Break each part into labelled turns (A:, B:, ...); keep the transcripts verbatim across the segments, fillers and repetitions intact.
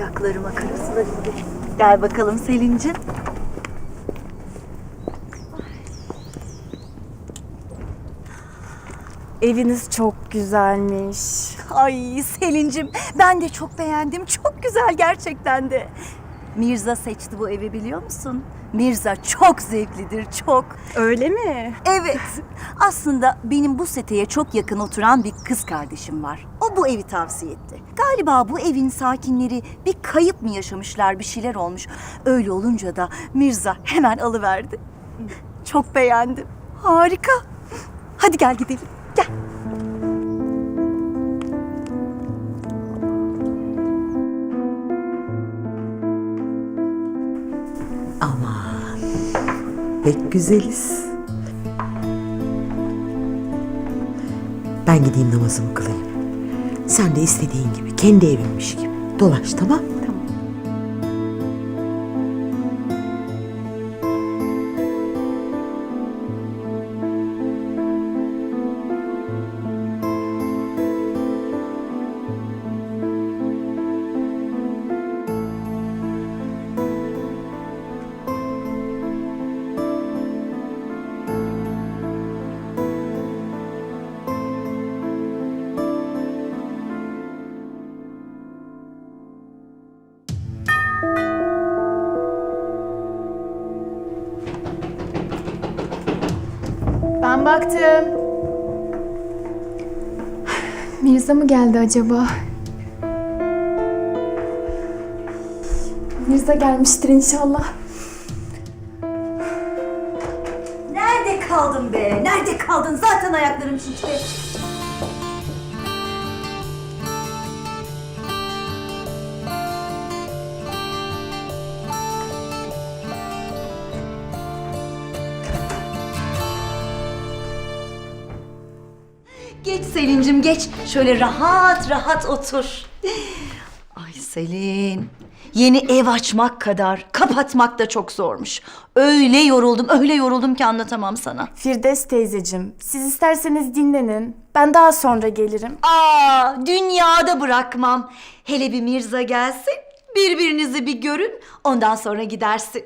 A: Ayaklarıma karasular indi. Gel bakalım Selin'cim.
B: Eviniz çok güzelmiş.
A: Ay Selin'cim, ben de çok beğendim. Çok güzel gerçekten de. Mirza seçti bu evi, biliyor musun? Mirza çok zevklidir, çok.
B: Öyle mi?
A: Evet. Aslında benim bu seteye çok yakın oturan bir kız kardeşim var. O bu evi tavsiye etti. Galiba bu evin sakinleri bir kayıp mı yaşamışlar, bir şeyler olmuş. Öyle olunca da Mirza hemen alıverdi. Çok beğendim. Harika. Hadi gel gidelim. Gel.
C: Aman, pek güzeliz. Ben gideyim namazımı kılayım. Sen de istediğin gibi, kendi evinmiş gibi dolaş, tamam? Tamam.
B: Ben baktım. Mirza mı geldi acaba? Mirza gelmiştir inşallah.
A: Nerede kaldın be? Nerede kaldın? Zaten ayaklarım şişti. Geç Selin'cim geç. Şöyle rahat rahat otur. Ay Selin. Yeni ev açmak kadar kapatmak da çok zormuş. Öyle yoruldum, öyle yoruldum ki anlatamam sana.
B: Firdevs teyzeciğim, siz isterseniz dinlenin. Ben daha sonra gelirim.
A: Aa, dünyada bırakmam. Hele bir Mirza gelsin, birbirinizi bir görün, ondan sonra gidersin.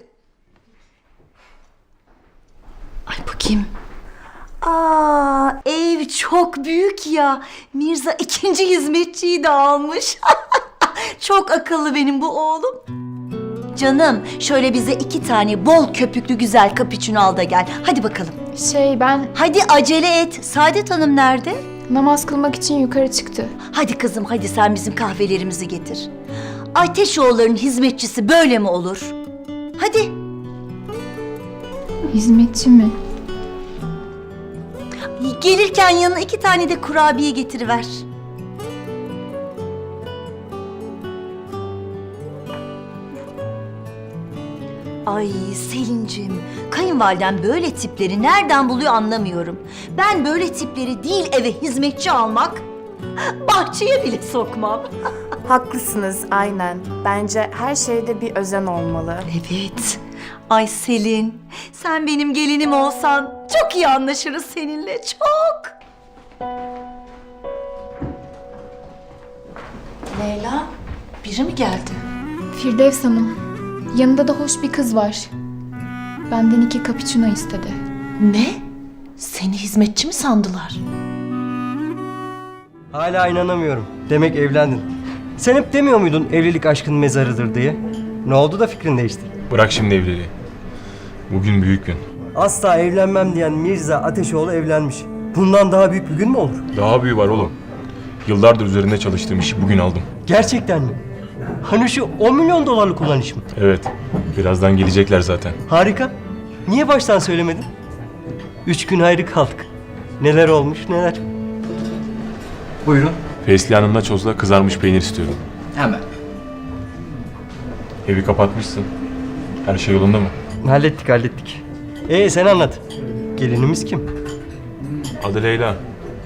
A: Ay bakayım. Aa, ev çok büyük ya. Mirza ikinci hizmetçiyi de almış. Çok akıllı benim bu oğlum. Canım, şöyle bize iki tane bol köpüklü güzel cappuccino al da gel. Hadi bakalım.
B: Şey ben
A: Hadi acele et. Saadet Hanım nerede?
B: namaz kılmak için yukarı çıktı.
A: Hadi kızım, hadi sen bizim kahvelerimizi getir. Ateşoğulları'nın hizmetçisi böyle mi olur? Hadi.
B: Hizmetçi mi?
A: Gelirken yanına iki tane de kurabiye getiriver. Ay Selin'cim, kayınvaliden böyle tipleri nereden buluyor anlamıyorum. Ben böyle tipleri değil eve hizmetçi almak, bahçeye bile sokmam.
B: Haklısınız aynen. Bence her şeyde bir özen olmalı.
A: Evet. Ay Selin, sen benim gelinim olsan çok iyi anlaşırız seninle, çok.
D: Leyla, biri mi geldi?
E: Firdevs Hanım, yanında da hoş bir kız var. Benden iki cappuccino istedi.
D: Ne? Seni hizmetçi mi sandılar?
F: Hala inanamıyorum. Demek evlendin. Sen hep demiyor muydun evlilik aşkın mezarıdır diye? Ne oldu da fikrin değişti?
G: Bırak şimdi evliliği. Bugün büyük gün.
F: Asla evlenmem diyen Mirza Ateşoğlu evlenmiş. Bundan daha büyük bir gün mü olur?
G: Daha büyüğü var oğlum. Yıllardır üzerinde çalıştığım işi bugün aldım.
F: Gerçekten mi? Hani şu on milyon dolarlık olan iş mi?
G: Evet, birazdan gelecekler zaten.
F: Harika. Niye baştan söylemedin? Üç gün ayrı kaldık. Neler olmuş neler.
H: Buyurun.
G: Fesli Hanım'la çozla kızarmış peynir istiyorum.
H: Hemen.
G: Evi kapatmışsın. Her şey yolunda mı?
F: Hallettik hallettik. Ee sen anlat. Gelinimiz kim?
G: Adı Leyla.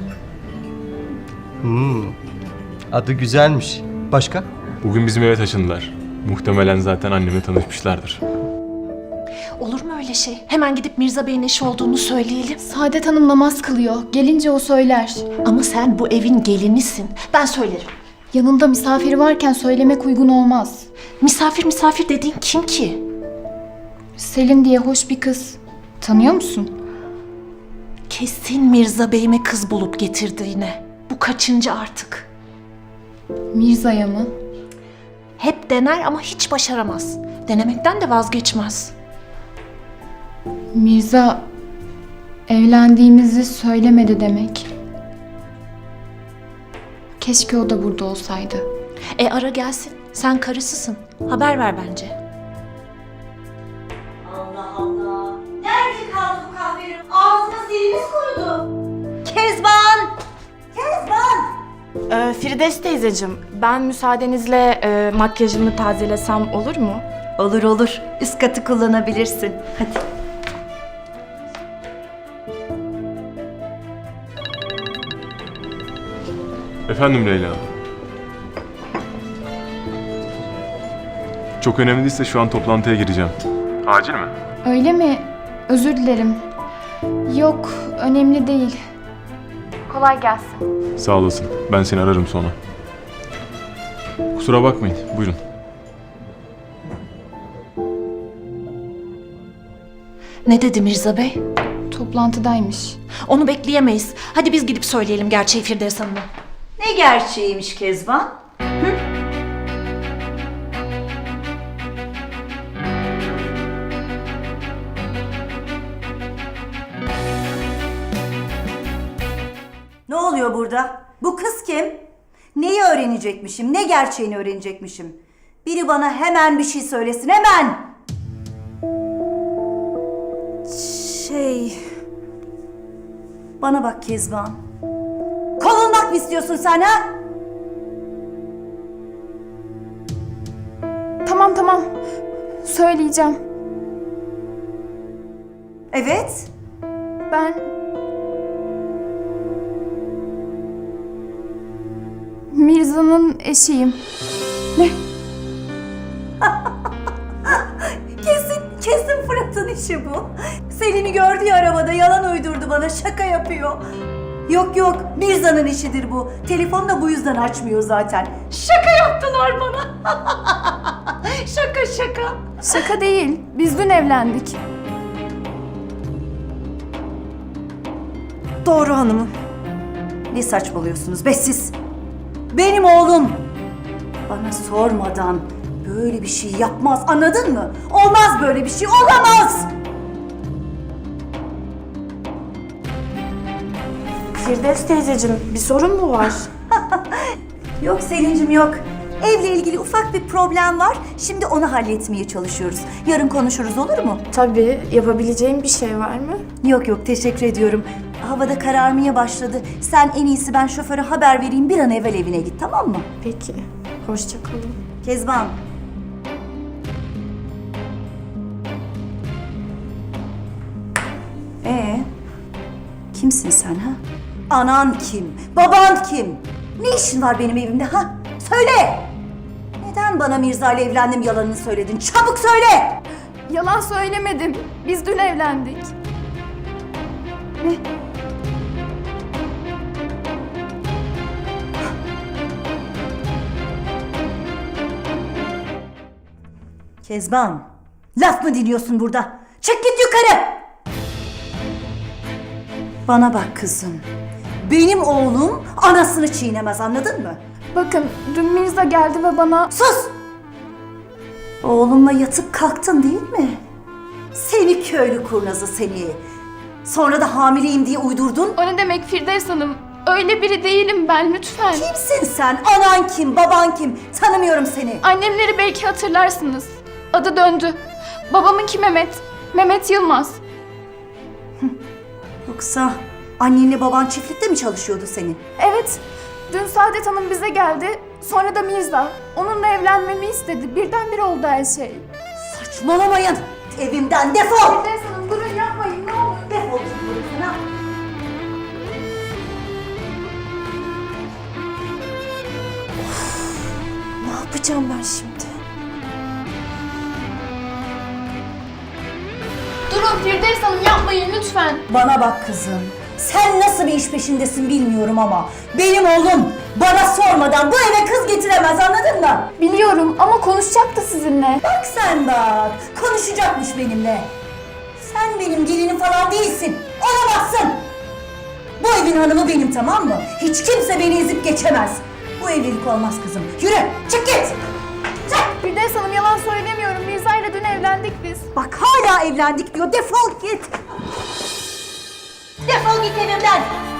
F: Hmm. Adı güzelmiş. Başka?
G: Bugün bizim eve taşındılar. Muhtemelen zaten annemle tanışmışlardır.
D: Olur mu öyle şey? Hemen gidip Mirza Bey'in eşi olduğunu söyleyelim.
E: Saadet Hanım namaz kılıyor. Gelince o söyler.
D: Ama sen bu evin gelinisin. Ben söylerim.
E: Yanında misafiri varken söylemek uygun olmaz.
D: Misafir misafir dediğin kim ki?
E: Selin diye hoş bir kız. Tanıyor musun?
D: Kesin Mirza Bey'ime kız bulup getirdi yine. Bu kaçıncı artık?
E: Mirza'ya mı?
D: Hep dener ama hiç başaramaz. Denemekten de vazgeçmez.
E: Mirza evlendiğimizi söylemedi demek. Keşke o da burada olsaydı.
D: E ara gelsin. Sen karısısın. Haber ver bence.
A: Allah Allah. Nerede kaldı bu kahvenin? Ağzına silimiz kurudu. Kezban! Kezban!
B: Ee, Firdevs teyzeciğim, ben müsaadenizle e, makyajımı tazelesem olur mu?
A: Olur olur. Üst katı kullanabilirsin. Hadi.
G: Efendim Leyla. Çok önemli değilse şu an toplantıya gireceğim. Acil mi?
E: Öyle mi? Özür dilerim. Yok, önemli değil. Kolay gelsin.
G: Sağ olasın. Ben seni ararım sonra. Kusura bakmayın. Buyurun.
D: Ne dedi Mirza Bey?
E: Toplantıdaymış.
D: Onu bekleyemeyiz. Hadi biz gidip söyleyelim gerçeği Firdevs Hanım'a.
A: Ne gerçeğiymiş Kezban? Ne oluyor burada? Bu kız kim? Neyi öğrenecekmişim? Ne gerçeğini öğrenecekmişim? Biri bana hemen bir şey söylesin, hemen! Şey... Bana bak Kezban. Kovulmak mı istiyorsun sen ha?
E: Tamam tamam. Söyleyeceğim.
A: Evet.
E: Ben... Mirza'nın eşiyim.
A: Kesin, kesin Fırat'ın işi bu. Selin'i gördü ya arabada, yalan uydurdu bana, şaka yapıyor. Yok yok, Mirza'nın işidir bu. Telefonu da bu yüzden açmıyor zaten. Şaka yaptılar bana. Şaka şaka.
E: Şaka değil. Biz dün evlendik.
A: Doğru hanımım. Ne saçmalıyorsunuz be siz? Benim oğlum. Bana sormadan böyle bir şey yapmaz, anladın mı? Olmaz böyle bir şey, olamaz.
B: Firdevs teyzeciğim, bir sorun mu var?
A: Yok Selin'cim yok. Evle ilgili ufak bir problem var. Şimdi onu halletmeye çalışıyoruz. Yarın konuşuruz, olur mu?
B: Tabii, yapabileceğim bir şey var mı?
A: Yok yok, teşekkür ediyorum. Havada kararmaya başladı. Sen en iyisi ben şoföre haber vereyim, bir an evvel evine git, tamam mı?
B: Peki, hoşça kalın.
A: Kezban. Ee, kimsin sen ha? Anan kim? Baban kim? Ne işin var benim evimde ha? Söyle! Neden bana Mirza ile evlendim yalanını söyledin? Çabuk söyle!
E: Yalan söylemedim. Biz dün evlendik.
A: Kezban, laf mı dinliyorsun burada? Çık git yukarı! Bana bak kızım. Benim oğlum anasını çiğnemez, anladın mı?
E: Bakın dün Mirza geldi ve bana...
A: Sus! Oğlumla yatıp kalktın değil mi? Seni köylü kurnazı seni. Sonra da hamileyim diye uydurdun.
E: O ne demek Firdevs Hanım? Öyle biri değilim ben, lütfen.
A: Kimsin sen? Anan kim? Baban kim? Tanımıyorum seni.
E: Annemleri belki hatırlarsınız. Adı döndü. Babamınki Mehmet. Mehmet Yılmaz.
A: Yoksa annenle baban çiftlikte mi çalışıyordu senin?
E: Evet. Dün Saadet Hanım bize geldi. Sonra da Mirza. Onunla evlenmemi istedi. Birdenbire oldu her şey.
A: Saçmalamayın. Evimden defol.
E: Firdevs Hanım durun, yapmayın ne olur.
A: Defol git buradan.
B: Ne yapacağım ben şimdi?
E: Durun Firdevs Hanım, yapmayın lütfen.
A: Bana bak kızım. Sen nasıl bir iş peşindesin bilmiyorum ama benim oğlum bana sormadan bu eve kız getiremez, anladın mı?
E: Biliyorum ama konuşacaktı sizinle.
A: Bak sen bak, konuşacakmış benimle. Sen benim gelinim falan değilsin, olamazsın. Bu evin hanımı benim, tamam mı? Hiç kimse beni ezip geçemez. Bu evlilik olmaz kızım. Yürü, çık git. Çık.
E: Firdevs Hanım, yalan söylemiyorum. Mirza ile dün evlendik biz.
A: Bak hala evlendik diyor, defol git. Defol git evimden.